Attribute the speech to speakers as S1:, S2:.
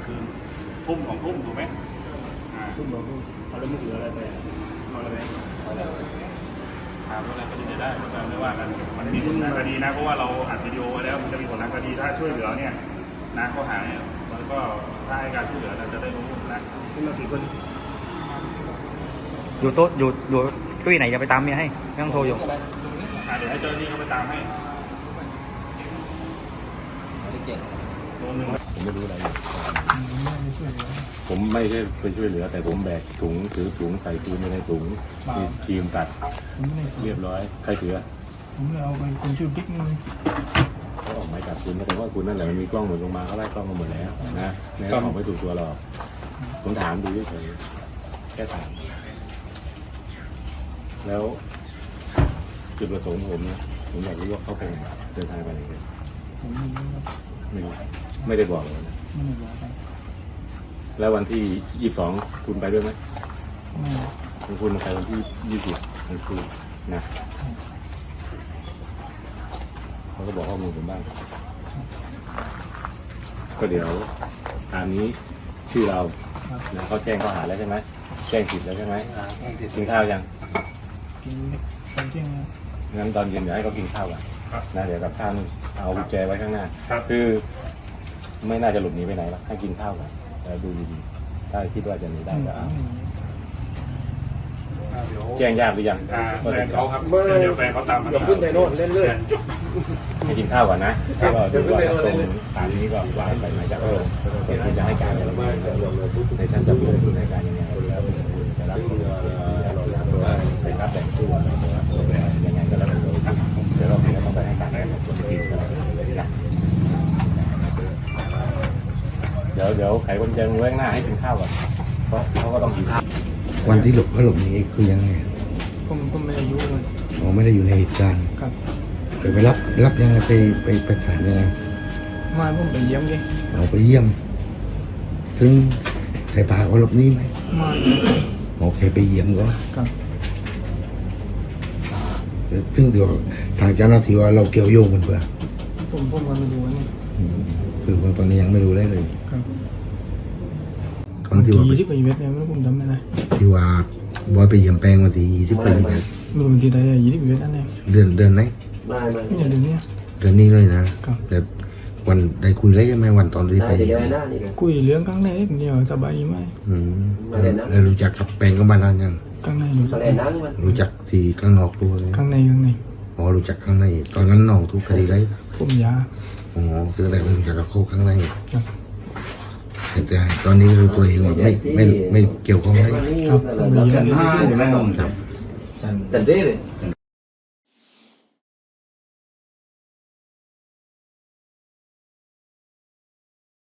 S1: คืนทุ่ม2 ทุ่มถูกไหม
S2: ทุ่ม2 ทุ่มเอาแล้วมึงเหลืออะไรไปเอาอะไร
S1: ถามว่าอะไรก็จะได้ไม่ว่ากันมันมีผลทางคดีนะเพราะว่าเราอัดวิดีโอไว้แล้วมันจะมีผลทางคดีถ้าช่วยเหลือเนี่ยนะข้อหาเนี่ยมันก็ถ้าให้การช่วยเหลือเราจะได้รู้นะ
S2: ขึ้นมากี่คน
S3: อยู่โต๊ะอยู่เก้าอี้ไหนจะไปตามเมียให้ไม่ต้องโทรอยู่
S1: เดี๋ยวให้เจ้าหน้าที่เขาไปตามให้
S4: ผมไม่รู้อะไรผมไม่ใช่ไปช่วยเหลือแต่ผมแบกถุงถือถุงใส่ปืนในถุงทีมตัดเรียบร้อยใครถือ
S2: ผมเลยเอาไปคนชื่อบิ๊กมึง
S4: เขาออกหมายจับคุณแต่ว่าคุณนั่นแหละมันมีกล้องหมดลงมาเขาไล่กล้องมาหมดแล้วนะไม่ออกไม่ถูกตัวหรอกผมถามดูเฉยแค่ถามแล้วจุดประสงค์ผมนะผมอยากรู้ว่าเขาเป็นเดินทางไปไหนกันไม่ได้บอกเลยนะแล้ววันที่22คุณไปด้วยไหมคุณไปวันที่20ของคุณนะเขาก็บอกข้อมูลผมบ้างก็เดี๋ยวตามนี้ชื่อเรานะเขาแจ้งข้อหาแล้วใช่ไหมแจ้งผิดแล้วใช่ไหมกินข้าวยังงั้นตอนเย็นเดี๋ยวให้เขากินข้าวกันนะเดี๋ยวกับข้าวเอากุญแจไว้ข้างหน้าคือไม่น่าจะหลบหนีไปไหนหรอกให้กินข้าวกันแล้วดูดีๆถ้าคิดว่าจะหนีได้ก็เอาแจ้งญาติหรือยัง
S1: แฟนเขาครับเดี๋ยวแฟนเขาตามมา
S2: อย่าขึ้นไปโน่นเล่นเรื่อย
S4: ให้กินข้าวก่อนนะแล้วก็ดูว่าตรงตามนี้ก็ว่าไปหมายจับลงเดี๋ยวคุณจะให้การอะไรบ้างในชั้นจับกลุ่มคุณให้การยังไงแล้วคุณจะรับไปรับแบ่งส่วนยังไงก็แล้วแต่เดี๋ยวเราต้องไปให้การกับคนที่ผิดกันนะเดี๋ยวไขกุญแจมือข้างหน้าให้กินข้าวก่อนเพราะเขาก็ต้องกินข้าว
S5: วันที่เขาหลบหนีคือยังไง
S2: ผมไม่ได้อยู่เลย
S5: ไม่ได้อยู่ในเหตุการณ์
S2: ครับ
S5: ไปรับยังไงไปศาลยังไง
S2: มาผมไปเยี่ยมไง
S5: เอาไปเยี่ยมถึงใครพาเขาหลบหนีไหม
S2: มา
S5: โอเคไปเยี่ยมก็
S2: ครับ
S5: ซึ่งเดี๋ยวทางเจ้าหน้าที่ว่าเราเกี่ยวโยงกันเพื่อ
S2: ผมก็ไม่รู้นี่
S5: คือตอนนี้ยังไม่รู้ได้เลย
S2: ครับ
S5: ตอนที่ว่า
S2: ที่ไปเวทเนี่ยไม่รู้ผมจำไม่ได้
S5: ที่ว่าบอยไปเยี่ยมแปลงวันที่20 ปี
S2: ไม่รู้วันที่ใด20 ปีนั่นเอง
S5: เดือนไหน
S2: เนี่ยเดือนนี้
S5: เลยนะแต่วันได้คุยได้ไหมวันตอนที่ไป
S2: คุยเรื่องข้างในเดียวสบายดีไหม
S5: แล้วรู้จักกับแปลงก็มานานยัง
S2: ข้างใน
S5: รู้จักที่ข้างนอกตัวเลย
S2: ข้างใน
S5: อ๋อรู้จักข้างในตอนนั้นน้องทุกคดีไร
S2: ผมยา
S5: อ๋อคืออะไรรู้จักกับเขาข้างในแต่ตอนนี้รู้ตัวเองว่าไม่เกี่ยวข้องเลย
S2: ครับ
S4: ชั้น 5ใช่ไหมจันเจ้เลย